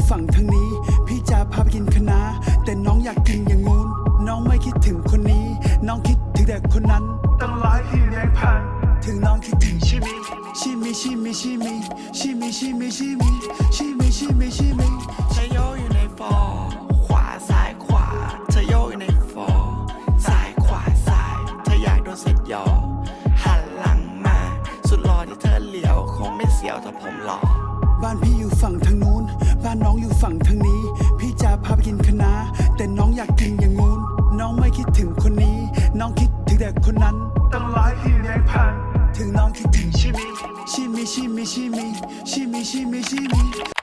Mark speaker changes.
Speaker 1: ฝั่งทางนี้พี่จะพาไปกินคะน้าแต่น้องอยากกินอย่างงู้นน้องไม่คิดถึงคนนี้น้องคิดถึงแต่คนนั้นต้องรอให้พี่เลี้ยงผ่านถึงน้องคิดถึงชิมิชิมิชิมิชิมิชิมิชิมิชิมิชิมิชิมิชิมิ
Speaker 2: เธอโยกอยู่ในฟอร์ขวาซ้ายขวาเธอโยกอยู่ในฟอร์ซ้ายขวาซ้ายเธออยากโดนเสร็จยอหันหลังมาสุดหล่อที่เธอเหลียวคงไม่เสียวถ้าผมหล่อ
Speaker 1: บ้านพี่อยู่ฝั่งทางนู้นบ้านน้องอยู่ฝั่งทางนี้พี่จะพาไปกินคะน้าแต่น้องอยากกินอย่างงู้นน้องไม่คิดถึงคนนี้น้องคิดถึงแต่คนนั้นต้องรอให้พี่เลี้ยงผ่านถึงน้องคิดถึงชิมิชิมิชิมิชิมิชิมิชิมิชิมิ